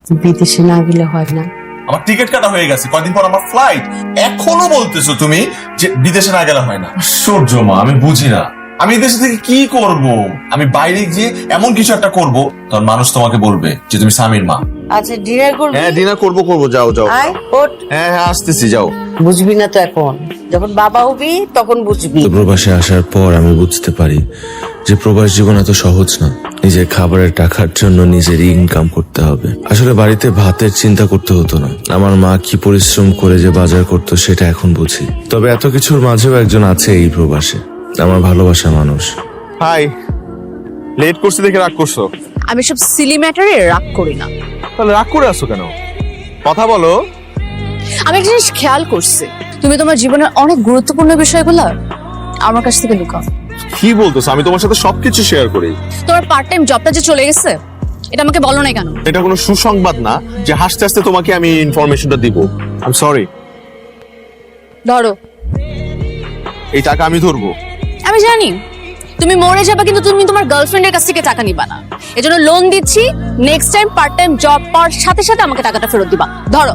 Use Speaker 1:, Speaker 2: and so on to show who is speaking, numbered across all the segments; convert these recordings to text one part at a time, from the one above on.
Speaker 1: বিদেশে না গেলে হয় না।
Speaker 2: আমার টিকিট কাটা হয়ে গেছে, কয়দিন পর আমার ফ্লাইট, এখনো বলতেছো তুমি যে বিদেশে না গেলে হয় না? আশ্চর্য মা, আমি বুঝি না। আমি দেশে থেকে কি করব? আমি বাইরে গিয়ে এমন কিছু একটা করব, তখন মানুষ তোমাকে বলবে যে তুমি স্বামীর মা।
Speaker 1: আচ্ছা ডিনার করবি?
Speaker 3: হ্যাঁ ডিনার করবো, যাও যাও।
Speaker 1: আয় ওঠ।
Speaker 3: হ্যাঁ আসতেছি, যাও।
Speaker 1: বুঝবি না তো এখন, যখন বাবা হবি তখন বুঝবি।
Speaker 4: তো প্রবাসে আসার পর আমি বুঝতে পারি যে প্রবাস জীবন এত সহজ না। নিজের খাবারের টাকার জন্য নিজের ইনকাম করতে হবে। আসলে বাড়িতে ভাতের চিন্তা করতে হতো না। আমার মা কি পরিশ্রম করে যে বাজার করতো সেটা এখন বুঝি। তবে এত কিছুর মাঝেও একজন আছে এই প্রবাসে, আমার ভালোবাসা মানুষ।
Speaker 3: হাই, লেট করছি দেখে রাগ করছো?
Speaker 5: আমি সব সিলি ম্যাটারে রাগ করি না।
Speaker 3: তাহলে রাগ করে আসো কেন? কথা বলো।
Speaker 5: আমি একটা জিনিস খেয়াল করছি, তুমি তোমার জীবনের অনেক গুরুত্বপূর্ণ বিষয়গুলো আমার কাছ থেকে লুকাও।
Speaker 3: কি বলতেছো? আমি তোমার সাথে সবকিছু শেয়ার করি।
Speaker 5: তোমার পার্ট টাইম জবটা যে চলে গেছে, এটা আমাকে বলো না কেন?
Speaker 3: এটা কোনো সুসংবাদ না যে হাসতে হাসতে তোমাকে আমি ইনফরমেশনটা দিব। I am sorry.
Speaker 5: ধরো,
Speaker 3: এই টাকা আমি ধরবো।
Speaker 5: আমি জানি তুমি মরে যাবে, কিন্তু তুমি তোমার গার্লফ্রেন্ডের কাছ থেকে টাকা নিবা না। এজন্য লোন দিচ্ছি, next time part time job পাওয়ার সাথে সাথে আমাকে টাকাটা ফেরত দিবা। ধরো।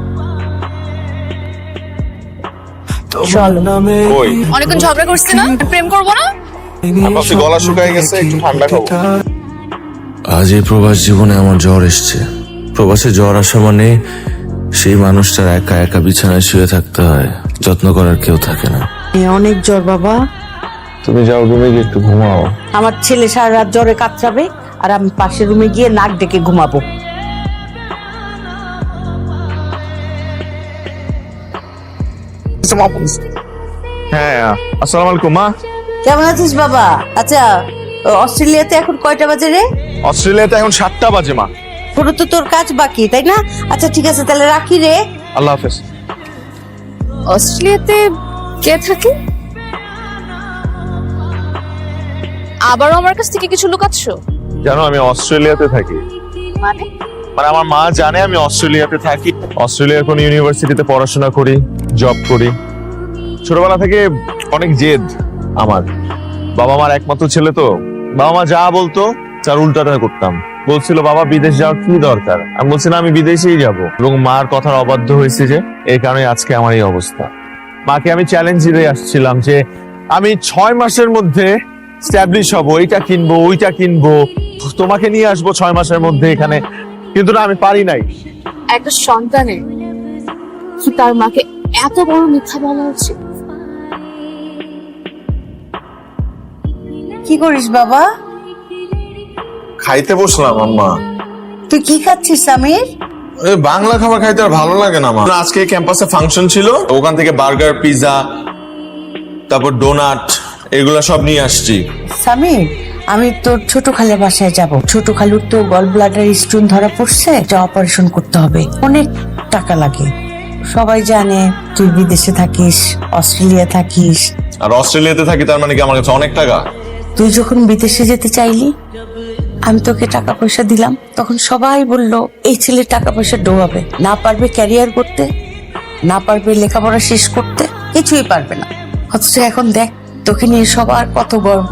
Speaker 3: কই?
Speaker 5: অনেকক্ষণ ঝগড়া করছি না, প্রেম করবো না?
Speaker 3: আমার গলা শুকায় গেছে, একটু ঠান্ডা খাবো।
Speaker 4: আজ এই প্রবাস জীবনে আমার জ্বর এসছে। প্রবাসে জ্বর আসা মানে সেই মানুষটার একা একা বিছানায় শুয়ে থাকতে হয়, যত্ন করার কেউ থাকে না।
Speaker 1: অনেক জ্বর বাবা।
Speaker 3: তুমি যাও রুমে গিয়ে একটু ঘুমাও।
Speaker 1: আমার ছেলে সারা রাত জ্বরে কাতরাবে, আর আমি পাশের রুমে গিয়ে নাক ডেকে ঘুমাবো।
Speaker 3: হ্যাঁ আসসালামু আলাইকুম মা।
Speaker 1: কেমন আছিস বাবা? আচ্ছা অস্ট্রেলিয়াতে এখন কয়টা বাজে রে?
Speaker 3: অস্ট্রেলিয়াতে এখন 7টা বাজে মা।
Speaker 1: পুরো তো তোর কাজ বাকি, তাই না? আচ্ছা ঠিক আছে, তাহলে রাখি রে।
Speaker 3: আল্লাহ হাফেজ।
Speaker 5: অস্ট্রেলিয়াতে কে থাকে? আবারও আমার কাছ থেকে কিছু লুকাচ্ছ?
Speaker 3: জানো আমি অস্ট্রেলিয়াতে থাকি।
Speaker 5: মানে
Speaker 3: মানে আমার মা জানে আমি অস্ট্রেলিয়াতে থাকি। অস্ট্রেলিয়ার কোন ইউনিভার্সিটিতে পড়াশোনা করি, জব করি। ছোটবেলা থেকে অনেক জেদ আমার। বাবা মার একমাত্র ছেলে তো, বাবা মা যা বলতো তার উল্টাটা করতাম। বলছিল বাবা বিদেশ যাওয়ার কি দরকার, আমি বলছিলাম আমি বিদেশেই যাব, এবং মার কথার অবাধ্য হয়েছে যে এই কারণে আজকে আমার এই অবস্থা। মাকে আমি চ্যালেঞ্জ দিয়ে আসছিলাম যে আমি 6 মাসের মধ্যে স্ট্যাবলিশ হব, এইটা কিনবো ওইটা কিনবো, তোমাকে নিয়ে আসবো 6 মাসের মধ্যে এখানে, কিন্তু না আমি পারি নাই।
Speaker 5: একটা সন্তানের কি তার মাকে এত বড় মিথ্যা বলা উচিত?
Speaker 1: কি করিস বাবা?
Speaker 2: খাইতে বসলাম আম্মা।
Speaker 1: তুই কি খাচ্ছিস সামির?
Speaker 2: বাংলা খাবার খাইতে আর ভালো লাগে না মা। আজকে ক্যাম্পাসে ফাংশন ছিল, ওখান থেকে বার্গার, পিৎজা, তারপর ডোনাট, এগুলা সব নিয়ে আসছি।
Speaker 1: সামির, আমি তোর ছোট খালের বাসায় যাব। ছোট খালুর তো গল ব্লাডার স্টোন ধরা পড়ছে, এটা অপারেশন করতে হবে, অনেক টাকা লাগে। সবাই জানে তুই বিদেশে থাকিস, অস্ট্রেলিয়া থাকিস।
Speaker 2: আর অস্ট্রেলিয়াতে থাকি তার মানে কি আমার কাছে অনেক টাকা?
Speaker 1: তুই যখন বিদেশে যেতে চাইলি, আমি তোকে টাকা পয়সা দিলাম, তখন সবাই বলল এই ছেলে টাকা পয়সা ডোবাবে, না পারবে ক্যারিয়ার করতে, না পারবে লেখাপড়া শেষ করতে, কিছুই পারবে না। অথচ এখন দেখ তোকে নিয়ে সবার কত গর্ব।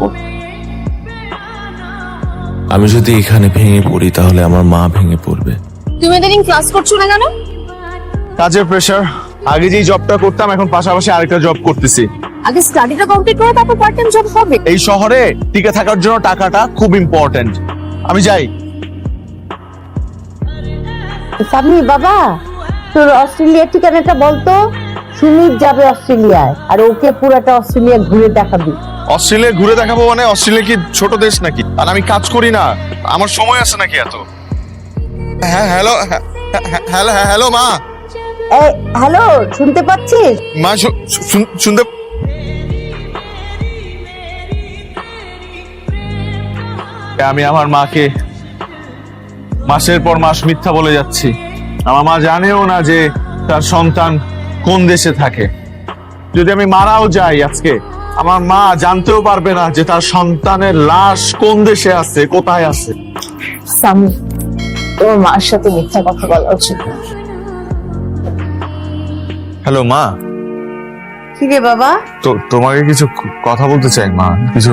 Speaker 4: আমি যদি এখানে ভেঙে পড়ি তাহলে আমার মা ভেঙে পড়বে।
Speaker 5: তুমি এদিন ক্লাস করছো না কেন?
Speaker 3: কাজের প্রেশার। আগে যেই জবটা করতাম এখন পাশাপাশি আরেকটা জব করতেছি।
Speaker 5: আগে স্টাডিটা কমপ্লিট করো, তারপর পার্ট টাইম জব হবে।
Speaker 3: এই শহরে টিকে থাকার জন্য টাকাটা খুব ইম্পর্টেন্ট। আমি যাই।
Speaker 1: সামনি বাবা, তোর অস্ট্রেলিয়ার ঠিকানাটা বলতো। সুমিত যাবে অস্ট্রেলিয়ায়, আর ওকে পুরাটা অস্ট্রেলিয়া ঘুরে দেখাবি।
Speaker 3: অস্ট্রেলিয়া ঘুরে দেখাবো মানে? অস্ট্রেলিয়া কি ছোট দেশ নাকি? আর আমি কাজ করি না, আমার সময় আছে নাকি এত? হ্যাঁ হ্যালো, হ্যালো হ্যালো মা।
Speaker 1: হ্যালো, শুনতে পাচ্ছিস?
Speaker 3: মা শুনতে? আমি আমার মাকে মাসের পর মাস মিথ্যা বলে যাচ্ছি। আমার মা জানেও না যে তার সন্তান কোন দেশে থাকে। যদি আমি মারাও যাই আজকে, আমার মা জানতেও পারবে না যে তার সন্তানের লাশ কোন দেশে আছে, কোথায় আছে।
Speaker 5: সামি, তোমার মার সাথে মিথ্যা কথা বলা উচিত না।
Speaker 3: হ্যালো মা।
Speaker 1: কি রে বাবা?
Speaker 3: তো তোমাকে কিছু কথা বলতে চাই মা, কিছু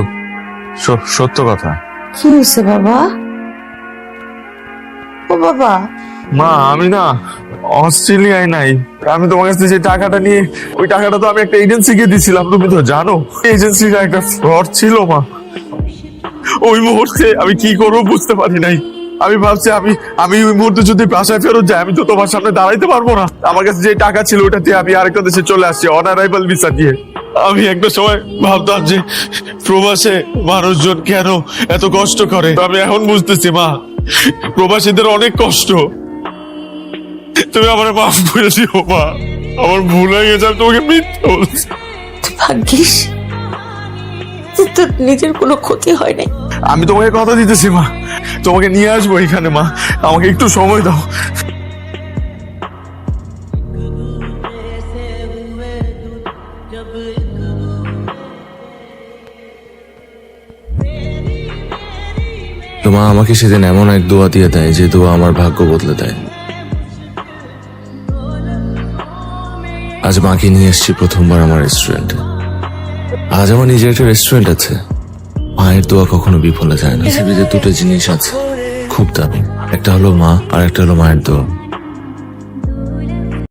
Speaker 3: সত্য কথা।
Speaker 1: কি হয়েছে বাবা? ও বাবা,
Speaker 3: মা আমি না অস্ট্রেলিয়ায় নাই, আমি তোমার কাছে যে টাকাটা নিয়ে, ওই টাকাটা তো আমি একটা এজেন্সিকে দিছিলাম, তুমি তো জানো এজেন্সিটা একটা ফ্রড ছিল মা। ওই মুহূর্তে আমি কি করবো বুঝতে পারি নাই। আমি ভাবছি আমি ওই মুহূর্তে যদি বাসায় ফেরত যাই, আমি তো তোমার সামনে দাঁড়াইতে পারবো না। আমার কাছে যে টাকা ছিল ওটা দিয়ে আমি আরেকটা দেশে চলে আসছি অন অ্যারাইভাল ভিসা দিয়ে। আমি একটা সময় ভাবতাম যে প্রবাসে মানুষজন কেন এত কষ্ট করে, আমি এখন বুঝতেছি মা, প্রবাসীদের অনেক কষ্ট। তুমি আমার মাফ করে দিও মা, আমার ভুল হয়ে গেছে, আমি তোমাকে মিথ্যা বলছি।
Speaker 1: তুই ভাগ্যিস যে তোর নিজের কোনো ক্ষতি হয় নাই।
Speaker 3: আমি তোমাকে কথা দিতেছি মা, তোমাকে নিয়ে আসবো এখানে মা, আমাকে একটু সময় দাও।
Speaker 4: তো মা আমাকে সেদিন এমন এক দোয়া দিয়ে দেয় যে দোয়া আমার ভাগ্য বদলে দেয়। আজ মাকে নিয়ে এসেছি প্রথমবার আমার রেস্টুরেন্টে। আজ আমার নিজের একটা রেস্টুরেন্ট আছে। মায়ের দোয়া কখনো বিফলে যায় না। পৃথিবীতে দুটো জিনিস আছে খুব দামি, একটা হলো মা আর একটা হলো মায়ের দোয়া।